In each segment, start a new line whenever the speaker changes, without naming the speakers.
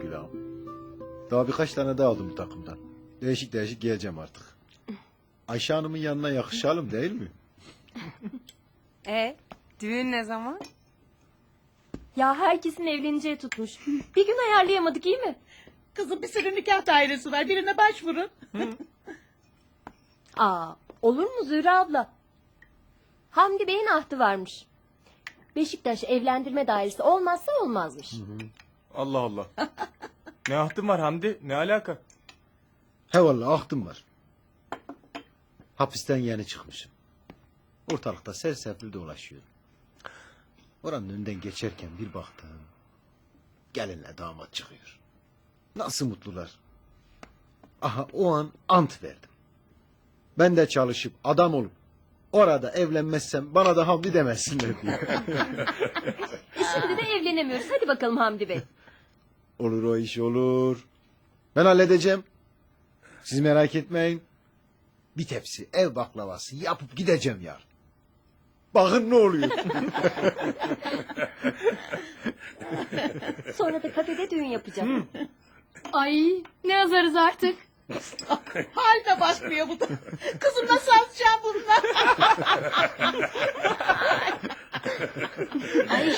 Gül ağam. Daha birkaç tane daha aldım bu takımdan. Değişik değişik geleceğim artık. Ayşe Hanım'ın yanına yakışalım değil mi?
Düğün ne zaman?
Ya herkesin evleneceği tutmuş. Bir gün ayarlayamadık iyi mi?
Kızım bir sürü nikah dairesi var. Birine başvurun.
Aa, olur mu Zühre abla? Hamdi Bey'in ahdı varmış. Beşiktaş evlendirme dairesi olmazsa olmazmış.
Allah Allah. Ne ahtın var Hamdi? Ne alaka?
He vallahi ahtım var. Hapisten yeni çıkmışım. Ortalıkta sersefil dolaşıyorum. Oranın önünden geçerken bir baktım. Gelinle damat çıkıyor. Nasıl mutlular. Aha o an ant verdim. Ben de çalışıp adam olup orada evlenmezsem bana da Hamdi demesinler diye.
Şimdi de evlenemiyoruz. Hadi bakalım Hamdi Bey.
Olur o iş olur. Ben halledeceğim. Siz merak etmeyin. Bir tepsi ev baklavası yapıp gideceğim yarın. Bakın ne oluyor.
Sonra da kafede düğün yapacak.
Ay ne yazarız artık.
Haline bakmıyor bu da. Kızım nasıl alacağım bundan?
Ay.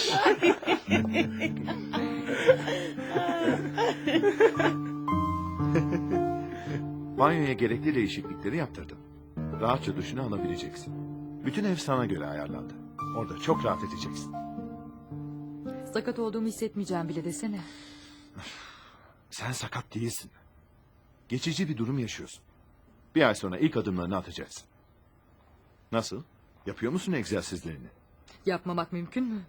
Banyoya gerekli değişiklikleri yaptırdım. Rahatça duşunu alabileceksin. Bütün ev sana göre ayarlandı. Orada çok rahat edeceksin.
Sakat olduğumu hissetmeyeceğim bile desene.
Sen sakat değilsin. Geçici bir durum yaşıyorsun. Bir ay sonra ilk adımlarını atacaksın. Nasıl? Yapıyor musun egzersizlerini?
Yapmamak mümkün mü?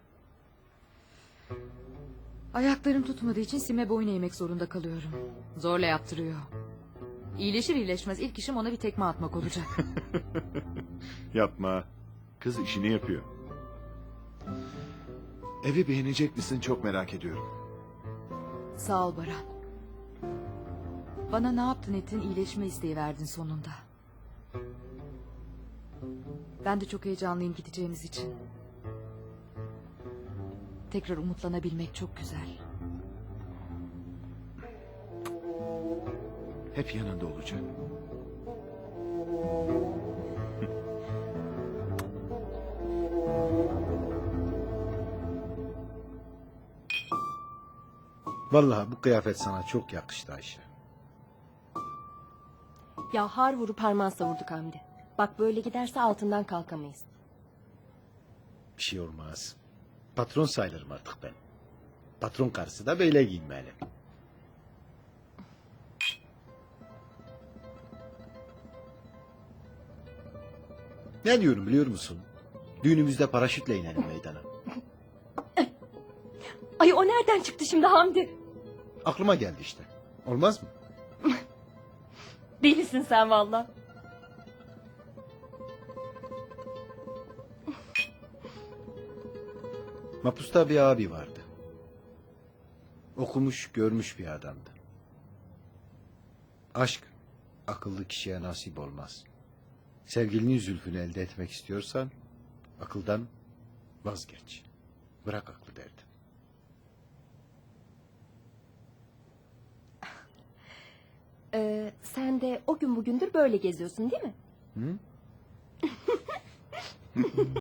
Ayaklarım tutmadığı için Sim'e boyun eğmek zorunda kalıyorum. Zorla yaptırıyor. İyileşir iyileşmez ilk işim ona bir tekme atmak olacak.
Yapma. Kız işini yapıyor. Evi beğenecek misin çok merak ediyorum.
Sağ ol Baran. Bana ne yaptın ettin iyileşme isteği verdin sonunda. Ben de çok heyecanlıyım gideceğimiz için. Tekrar umutlanabilmek çok güzel.
Hep yanında olacak.
Vallahi bu kıyafet sana çok yakıştı Ayşe.
Ya har vurup harman savurduk Hamdi. Bak böyle giderse altından kalkamayız.
Bir şey olmaz. Patron sayılırım artık ben. Patron karısı da böyle giyinmeli. Ne diyorum biliyor musun? Düğünümüzde paraşütle inelim meydana.
Ay o nereden çıktı şimdi Hamdi?
Aklıma geldi işte. Olmaz mı?
Delisin sen valla.
Mapusta bir abi vardı. Okumuş, görmüş bir adamdı. Aşk, akıllı kişiye nasip olmaz. Sevgilinin zülfünü elde etmek istiyorsan, akıldan vazgeç. Bırak aklı derdi.
Sen de o gün bugündür böyle geziyorsun değil mi?
Hı?